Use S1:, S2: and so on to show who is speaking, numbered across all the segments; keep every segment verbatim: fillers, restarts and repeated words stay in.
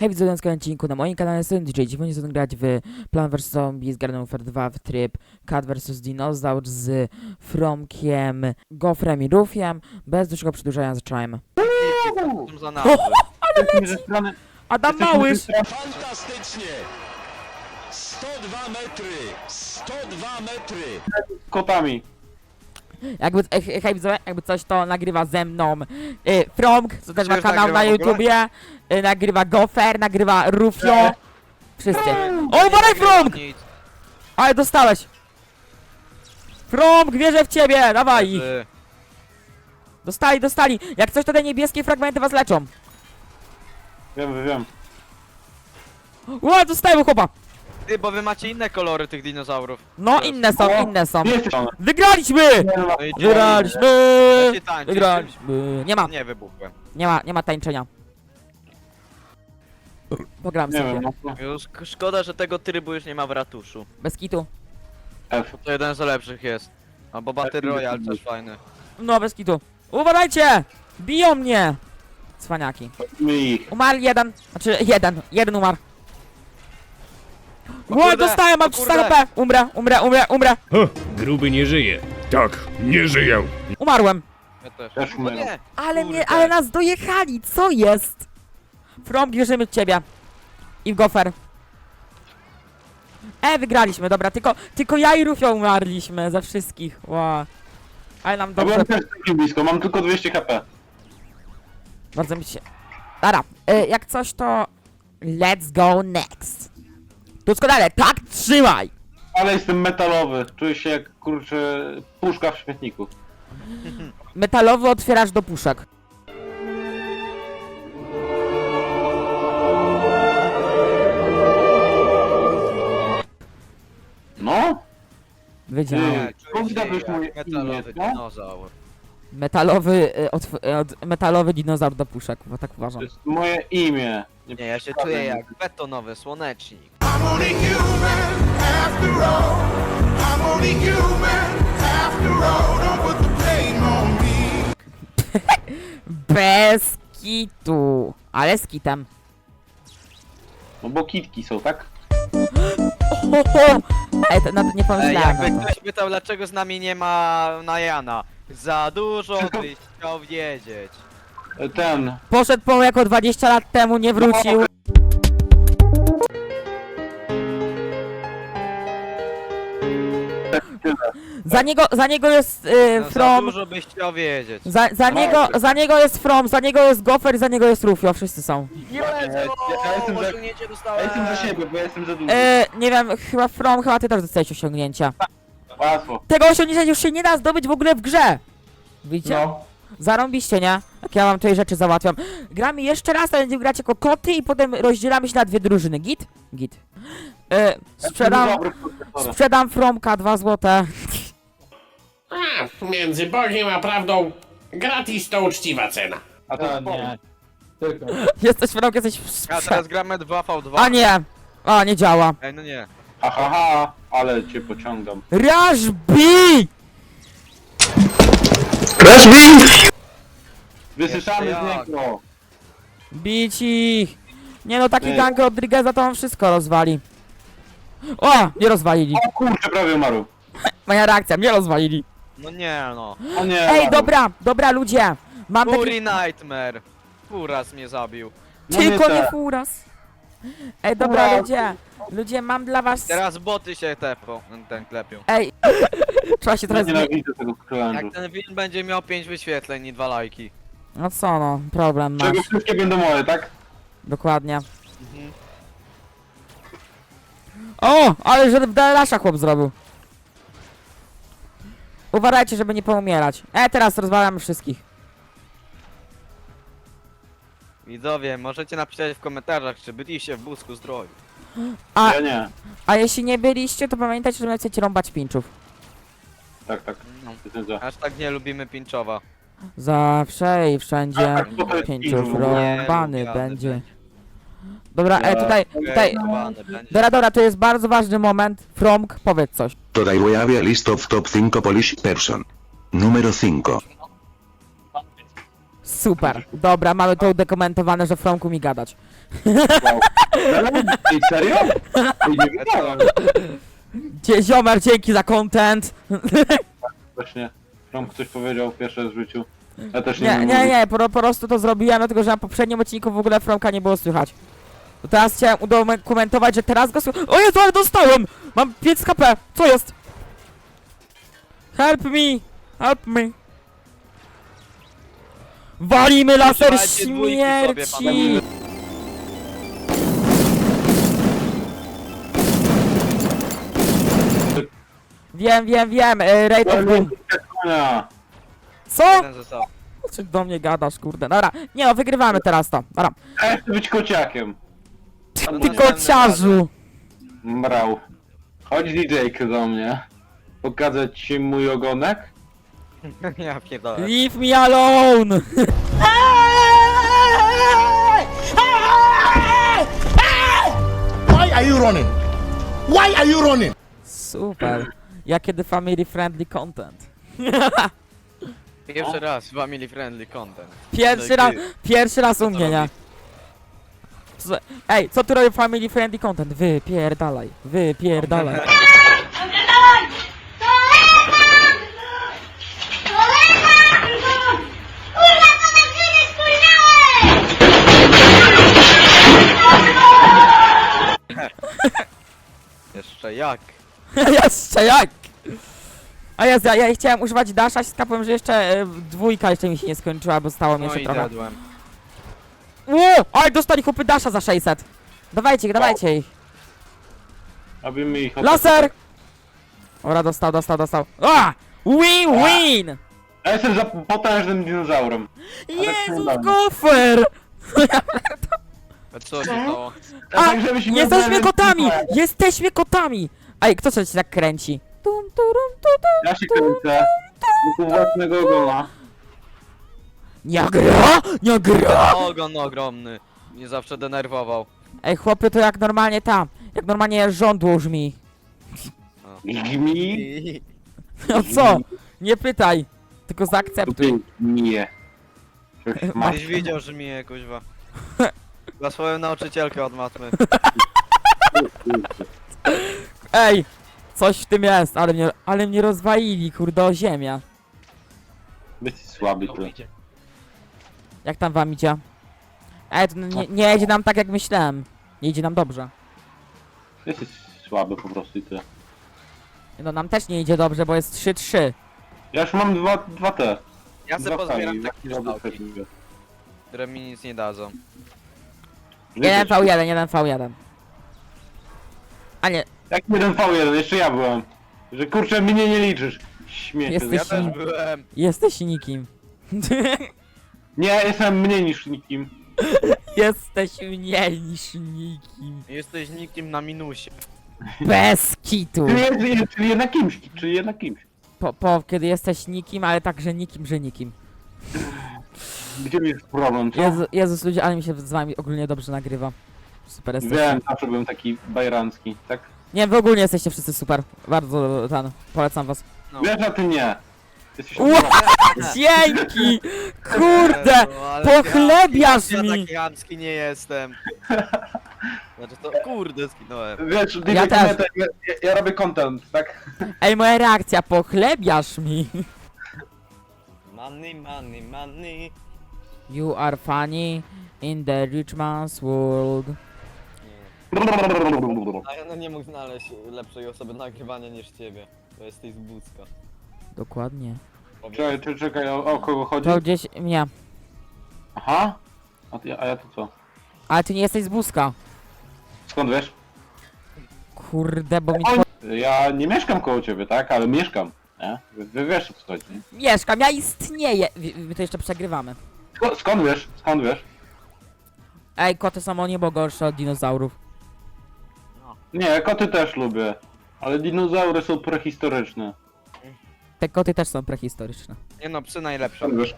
S1: Hej, widzowie, na kolejnym odcinku na moim kanale jestem D J. Dziś będziemy grać w Plant versus. Zombies Garden Warfare dwa w tryb Cat versus. Dinozaur z Fromkiem, Gofrem i Rufiem. Bez dłuższego przedłużania zacząłem.
S2: Za nazwy.
S1: Adam Małysz!
S3: Fantastycznie! sto dwa metry! sto dwa metry!
S4: Kotami.
S1: Jakby, e, hej widzowie, jakby coś to nagrywa ze mną y, Fromk, co też ma
S2: Już
S1: kanał
S2: nagrywa
S1: na
S2: w ogóle?
S1: YouTubie, y, nagrywa Gofer, nagrywa Rufio. Wszyscy. O, uważaj Fromk!
S2: Nic.
S1: Ale dostałeś! Fromk, wierzę w ciebie, dawaj ich!
S2: Leży.
S1: Dostali, dostali! Jak coś to te niebieskie fragmenty was leczą.
S4: Wiem, wiem.
S1: Ła, dostałem chłopa!
S2: Ty, bo wy macie inne kolory tych dinozaurów.
S1: No, inne są,
S4: O,
S1: inne są.
S4: Jesteś on.
S1: Wygraliśmy!
S2: No i
S1: Wygraliśmy!
S2: Macie tańczyć?
S1: Wygraliśmy! Nie ma,
S2: Nie wybuchłem.
S1: nie ma, nie ma tańczenia. Pogram
S4: Nie
S1: sobie.
S4: wiem, no.
S2: Już k- szkoda, że tego trybu już nie ma w ratuszu.
S1: Bez kitu.
S4: F.
S2: To jeden z lepszych jest. Albo Battle Royale też fajny.
S1: No, bez kitu. Uważajcie! Biją mnie! Cwaniaki.
S4: My ich.
S1: Umarł jeden. Znaczy, jeden. Jeden umarł.
S2: O
S1: Ło,
S2: kurde,
S1: dostałem, mam
S2: o
S1: trzysta
S2: kurde.
S1: H P! Umrę, umrę, umrę, umrę!
S5: Ha, gruby nie żyje. Tak, nie żyję.
S1: Umarłem.
S2: Ja też.
S4: Też
S2: O
S4: umieram.
S2: nie!
S1: Ale
S2: Kurde.
S1: mnie, ale nas dojechali, co jest? From, bierzemy ciebie. I w gofer. E, wygraliśmy, dobra, tylko, tylko ja i Rufio umarliśmy ze wszystkich, wow. Ale nam
S4: Ja
S1: dobrze,
S4: byłem też takim blisko, mam tylko dwieście H P.
S1: bardzo mi się... Dobra, e, jak coś to... Let's go next. Doskonale, tak trzymaj!
S4: Ale jestem metalowy. Czuję się jak, kurczę, puszka w śmietniku.
S1: Metalowy otwierasz do puszek.
S4: No?
S1: Wiedziałem.
S4: Nie.
S2: Nie, czuję
S4: Skąd
S2: się
S4: zgadłeś moje
S2: jak metalowy
S4: imię, no?
S2: dinozaur.
S1: Metalowy, e, otw e, od, metalowy dinozaur do puszek, bo tak uważam.
S4: To jest moje imię.
S2: Nie, ja się czuję jak betonowy słonecznik.
S6: I'm only human after all. I'm only human after all. Don't put the blame on me.
S1: Bez kitu. Ale z kitem.
S4: No bo kitki są, tak?
S1: Ho, ho. Ej, to, na to nie
S2: Ej,
S1: pomyślałem.
S2: jakby
S1: na to.
S2: ktoś pytał, dlaczego z nami nie ma Najana. Za dużo
S4: Wszystko-
S2: byś chciał wiedzieć.
S4: E, Ten.
S1: Poszedł po jako dwadzieścia lat temu, nie wrócił. Za niego, za niego jest y,
S2: No, za
S1: From.
S2: dużo byś chciał wiedzieć.
S1: Za, za niego, za niego jest From, za niego jest Gofer, za niego jest Rufio, wszyscy są.
S2: Nie
S4: ja jestem za-
S2: osiągnięcie
S4: Ja
S2: dostałem.
S4: jestem za siebie, bo ja jestem za duży.
S1: E, nie wiem, chyba From, chyba ty też dostałeś osiągnięcia.
S4: Łatwo.
S1: Tego osiągnięcia już się nie da zdobyć w ogóle w grze. Widzicie?
S4: No.
S1: Zarąbiście, nie? Jak ja wam tutaj rzeczy załatwiam. Gramy jeszcze raz, a będziemy grać jako koty i potem rozdzielamy się na dwie drużyny. Git? Git. E, sprzedam,
S4: Dobry profesor.
S1: sprzedam Fromka dwa złote.
S7: A, między Bogiem a prawdą gratis to uczciwa cena.
S4: A to nie.
S1: Jesteś Fromk, jesteś w
S2: A
S1: sprze...
S2: teraz gramy dwa v dwa.
S1: A nie! A, nie działa.
S2: Ej, no nie.
S4: Ha, ha, ha, ale cię pociągam.
S1: Rush B!
S4: Wysyszamy
S2: Jeszcze
S4: z
S2: jak.
S4: niego.
S1: Bić ich! Nie no, taki
S4: Ty.
S1: gang Rodrigueza to on wszystko rozwali. O! Nie rozwalili.
S4: O kurczę, prawie umarł.
S1: Moja reakcja, nie rozwalili.
S2: No nie no.
S4: O nie.
S1: Ej,
S4: umarł.
S1: dobra, dobra ludzie! Mam taki...
S2: Fury Nightmare. Furas mnie zabił.
S4: No
S1: Tylko
S4: nie
S1: nie
S4: tak.
S1: furas. Ej, dobra
S4: Furas.
S1: ludzie. Ludzie, mam dla was...
S2: Teraz boty się tepą, ten klepią.
S1: Ej, trzeba się
S4: Ja
S1: teraz... zmie-
S4: nienawidzę tego challenge'u.
S2: Jak ten film będzie miał pięć wyświetleń i dwa lajki.
S1: No co no, problem masz.
S4: Czego wszystkie będą moje, tak?
S1: Dokładnie. O, ale że w Dalasza chłop zrobił. Uważajcie, żeby nie poumierać. E, teraz rozwalam wszystkich.
S2: Widzowie, możecie napisać w komentarzach, czy byliście w Busku Zdrowiu.
S1: A,
S4: Ja nie.
S1: a jeśli nie byliście, to pamiętajcie, że chcecie rąbać pinczów.
S4: Tak, tak.
S2: No.
S4: Jestem za.
S2: Aż tak nie lubimy pinczowa.
S1: Zawsze i wszędzie
S4: A, to jest
S1: pięciów
S4: pinczów.
S1: rąbany
S2: Nie,
S1: będzie. Dobra, e, tutaj, tutaj...
S2: Okej, będzie.
S1: Dobra, dobra, to jest bardzo ważny moment. Fromk, powiedz coś.
S8: Today we have a list of top cinco Polish person. Número cinco.
S1: Super. Dobra, mamy to udokumentowane, że Fromku mi gadać.
S4: Wow. Ej, serio? Ej, nie wiedziałem.
S1: Dzie ziomer, dzięki za content.
S4: Właśnie. From ktoś powiedział pierwszy raz w życiu. Ja też nie
S1: Nie,
S4: wiem
S1: nie,
S4: mówić.
S1: nie, po, po prostu to zrobiłem, dlatego że na poprzednim odcinku w ogóle Fromka nie było słychać. To teraz chciałem udokumentować, że teraz go słychać. O Jezu, ale dostałem! Mam pięć H P! Co jest? Help me! Help me! Walimy laser
S2: Używajcie dwójki sobie,
S1: śmierci!
S2: panowie.
S1: Wiem, wiem, wiem, e, Rate of Boom.
S4: Konia.
S1: Co?
S2: Jeden został.
S1: Co do mnie gadasz, kurde? Dobra, nie no, wygrywamy teraz to. Dobra.
S4: A ja chcę być kociakiem.
S2: No
S1: Ty
S2: następnym
S1: kociarzu!
S4: Mrał. Chodź D J do mnie. Pokazać ci mój ogonek?
S2: razem. Ja pierdolę.
S1: Leave me alone!
S6: Why are you running? Why are you running?
S1: Super. Ja kiedy family friendly content.
S2: Pierwszy raz family friendly content.
S1: Pierwszy raz, pierwszy raz u mnie, nie? Co- Ej, co tu robi family friendly content? Wypierdalaj, wypierdalaj.
S8: Kurwa, to na chwilę spóźniałeś!
S2: Jeszcze jak?
S1: Jeszcze jak? A ja, ja, ja chciałem używać dasha, skapłem, że jeszcze e, dwójka jeszcze mi się nie skończyła, bo stało mi
S2: No
S1: jeszcze
S2: i
S1: trochę.
S2: zjadłem.
S1: Ło! Ale dostali chłopy dasha za sześćset. Dawajcie ich, dawajcie ich.
S4: Robimy ich...
S1: Laser! Dobra, dostał, dostał, dostał. A! Win, win!
S4: Ja jestem za potężnym dinozaurem.
S1: Jezus,
S4: dalej.
S1: gofer!
S2: A co się stało?
S1: A,
S4: Tak, żebyś nie
S1: jesteśmy
S4: znaleźć-
S1: kotami! Jesteśmy kotami! Ej, kto się tak kręci? Tum, turum, tu, tu.
S4: Ja się kręcę. Do własnego ogona.
S1: Nie gra! Nie gra!
S2: Ogon ogromny. Mnie zawsze denerwował.
S1: Ej, chłopy, to jak normalnie tam. Jak normalnie żądło brzmi.
S4: Gmi.
S1: No co? Nie pytaj. Tylko zaakceptuj.
S4: Nie. Coś masz.
S2: Gdzieś widział, że mnie kuźwa. Dla swoją nauczycielkę od matmy.
S1: Ej! Coś w tym jest, ale mnie, ale mnie rozwalili, kurde, o ziemię.
S4: Jesteś słaby ty.
S1: Jak tam wam idzie? Ej, to nie, nie idzie nam tak, jak myślałem. Nie idzie nam dobrze.
S4: Jesteś słaby po prostu i ty.
S1: No nam też nie idzie dobrze, bo jest trzy trzy.
S4: Ja już mam dwa, dwa te.
S2: Ja sobie
S4: Dwa
S2: pozbieram
S4: fali,
S2: takie
S4: dwa
S2: kształki,
S4: fali.
S2: które mi nic nie dadzą.
S1: jeden V jeden, jeden V jeden. A nie,
S4: Jak jeden V jeden, jeszcze ja byłem. Że kurczę mnie nie liczysz. Śmiecie.
S1: Jesteś-
S2: Ja też byłem.
S1: jesteś nikim.
S4: Nie, jestem mniej niż nikim.
S1: Jesteś mniej niż nikim.
S2: Jesteś nikim na minusie.
S1: Bez kitu.
S4: Czyli, jest, czyli jednak kimś, czyli jednak kimś.
S1: Po, po, kiedy jesteś nikim, ale także nikim, że nikim.
S4: Gdzie jest problem, co?
S1: Jezu, Jezus, ludzie, ale mi się z wami ogólnie dobrze nagrywa. Super jesteście.
S4: Wiem, zawsze byłem taki bajrancki, tak?
S1: Nie, wy ogólnie jesteście wszyscy super. Bardzo ten, polecam was.
S2: No.
S4: Wiesz, a ty nie. Jesteś
S1: Ła! Dzięki! Kurde!
S2: No, ale
S1: Pochlebiasz
S2: ja
S1: mi!
S2: taki chamski nie jestem. Znaczy to kurde skinąłem.
S4: Wiesz,
S1: Ja
S4: ja,
S1: też.
S4: ja, ja, ja robię content, tak?
S1: Ej, moja reakcja, pochlebiasz mi!
S2: Money, money, money.
S1: You are funny in the rich man's world.
S2: A ja no nie mógł znaleźć lepszej osoby nagrywania niż ciebie. Bo jesteś z Bucka.
S1: Dokładnie.
S4: Czekaj, czekaj, czekaj, o, o kogo chodzi?
S1: To gdzieś, nie.
S4: Aha? A, ty, a ja to co?
S1: Ale ty nie jesteś z Buzka.
S4: Skąd wiesz?
S1: Kurde, bo mi...
S4: Oj, ja nie mieszkam koło ciebie, tak? Ale mieszkam, nie? Wy, wy wiesz o co chodzi, nie?
S1: Mieszkam, ja istnieję! Wy- My to jeszcze przegrywamy.
S4: Sko- skąd wiesz? Skąd wiesz?
S1: Ej, koty są o niebo gorsze od dinozaurów.
S4: Nie, koty też lubię. Ale dinozaury są prehistoryczne.
S1: Te koty też są prehistoryczne.
S2: Nie no, psy najlepsze.
S4: Skąd wiesz?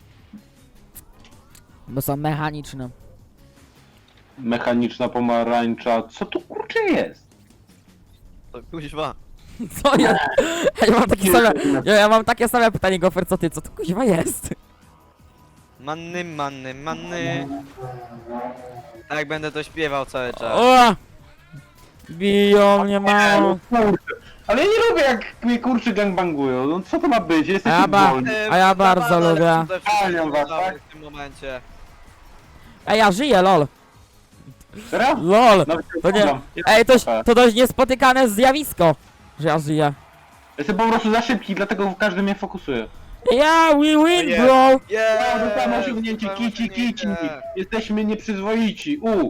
S1: Bo są mechaniczne.
S4: Mechaniczna pomarańcza. Co tu kurczę jest?
S2: To kuźwa.
S1: Co ja? Ja mam takie same... Ja, ja mam takie same pytanie, Gofer, co ty? Co to kuźwa jest?
S2: Manny, manny, manny. Tak będę to śpiewał cały czas.
S1: O! Biją mnie mało.
S4: Kurczę. Ale ja nie lubię jak mnie kurczy gangbangują. No co to ma być?
S1: A
S4: Jesteście
S1: ja ba-
S4: wolni.
S2: Eee,
S1: a ja bardzo
S2: zabawa,
S1: lubię.
S2: ale przede wszystkim
S4: Palią was,
S2: zabawy
S4: tak?
S2: w tym momencie.
S1: Ej, ja żyję, lol.
S4: Serio?
S1: Lol.
S4: Nawet
S1: To nie...
S4: słucham.
S1: Ej, to, to dość niespotykane zjawisko, że ja żyję.
S4: Jestem po prostu za szybki, dlatego każdy mnie fokusuje.
S1: Ja, we win,
S2: nie.
S1: bro!
S2: Yeah,
S4: Wow, dostałem osiągnięcie, kici, kici. Jesteśmy nieprzyzwoici. U.